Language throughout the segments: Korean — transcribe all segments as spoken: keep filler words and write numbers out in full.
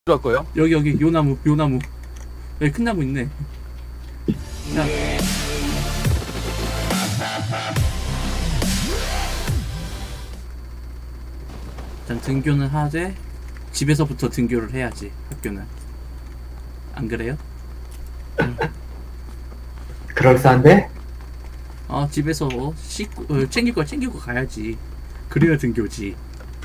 들어갈 거예요? 여기 여기 요 나무 요 나무 여기 큰 나무 있네. 자 일단 등교는 하되 집에서부터 등교를 해야지. 학교는 안 그래요? 그럴싸한데? 어 집에서 씻고 어, 챙길 거 챙기고 가야지. 그래야 등교지.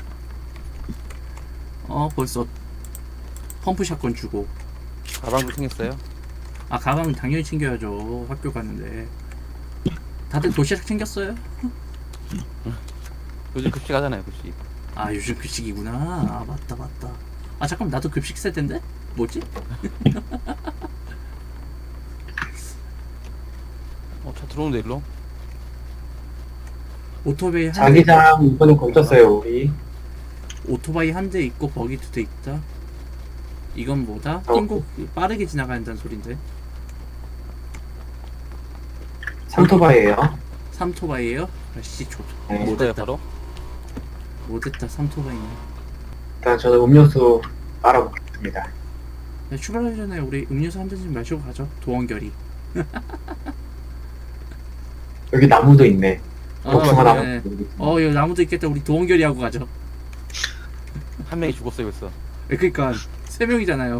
어 벌써 펌프 샷건 주고. 가방도 챙겼어요? 아 가방은 당연히 챙겨야죠. 학교 가는데. 다들 도시락 챙겼어요? 요즘 급식 하잖아요, 급식. 아 요즘 급식이구나. 아 맞다 맞다. 아 잠깐 나도 급식 세대인데? 뭐지? 어, 차 들어오는데, 일로? 오토바이 한 대, 자기장 이번에 걸쳤어요 우리. 오토바이 한 대 있고 버기 두 대 있다. 이건 뭐다? 어. 띵곡 빠르게 지나가야 한다는 소린데. 삼토바이에요. 삼토바이에요? 아씨 좋. 네. 뭐예요, 못했다. 바로? 못했다 삼토바이네. 일단 저는 음료수 빨아먹겠습니다. 야, 출발하기 전에 우리 음료수 한 잔씩 마시고 가죠. 도원결이. 여기 나무도 있네. 복숭아 나무. 네. 어 여기 나무도 있겠다. 우리 도원결이 하고 가죠. 한 명이 죽었어요, 벌써. 네, 그니까 세 명이잖아요.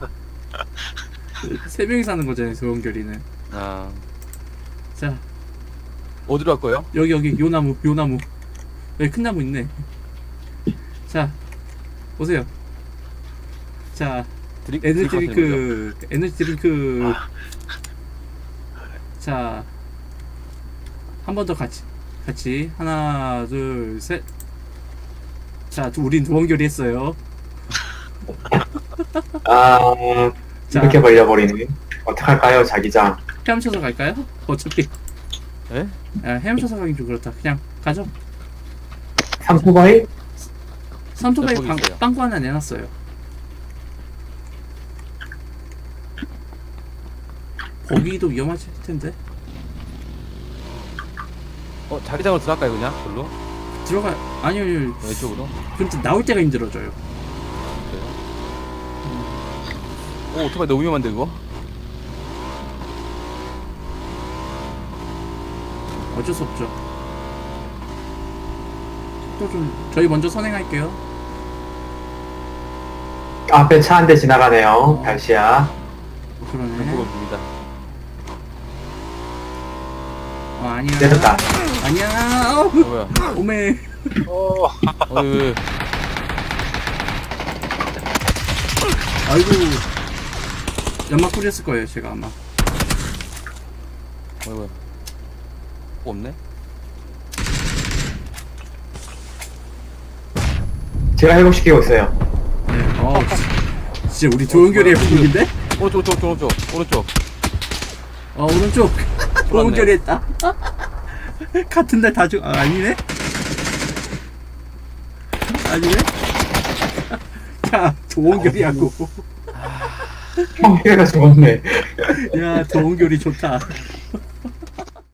세 명이 사는 거잖아요. 도원결이는. 아, 자 어디로 갈 거예요? 여기 여기 요 나무 요 나무 여기 큰 나무 있네. 자 보세요. 자 드링, 에너지 드링크 하시는 드링크 에너지 드링크. 자 한 번 더 같이 같이 하나 둘 셋. 자 우린 도원결이 했어요. 아 자. 이렇게 벌려버리네. 어떡할까요 자기장? 헤엄쳐서 갈까요? 어차피 거죠? 예? 아, 헤엄쳐서 가긴 좀 그렇다. 그냥 가죠. 삼토바이? 삼토바이 거기 빵, 있어요. 빵꾸 하나 내놨어요. 거기도 위험하실 텐데. 어, 자기장으로 들어갈까요, 그냥? 별로? 들어가. 아니요, 아니요. 왼쪽으로? 근데 나올 때가 힘들어져요. 그래요? 오, 오토바이 너무 위험한데, 이거? 어쩔 수 없죠. 또 좀 저희 먼저 선행할게요. 앞에 차 한 대 지나가네요. 달시야. 그러네. 왼쪽으로 봅니다. 어, 아니야. 내렸다. 아니야. 어, 어, 뭐야? 오메. 어, 왜, 왜. 아이고. 연막 뿌렸을 거예요, 제가 아마. 어, 뭐야. 뭐 없네? 제가 회복시키고 있어요. 네. 어, 진- 진짜 우리 도원결이의 분위기인데? 오른쪽, 오른쪽, 오른쪽, 오른쪽. 어, 오른쪽. 도원결이 했다. 같은 날 다 죽, 아, 아니네? 아니네? 야, 도원결이하고. 형 피해가 죽었네. 야, 도원결이 좋다.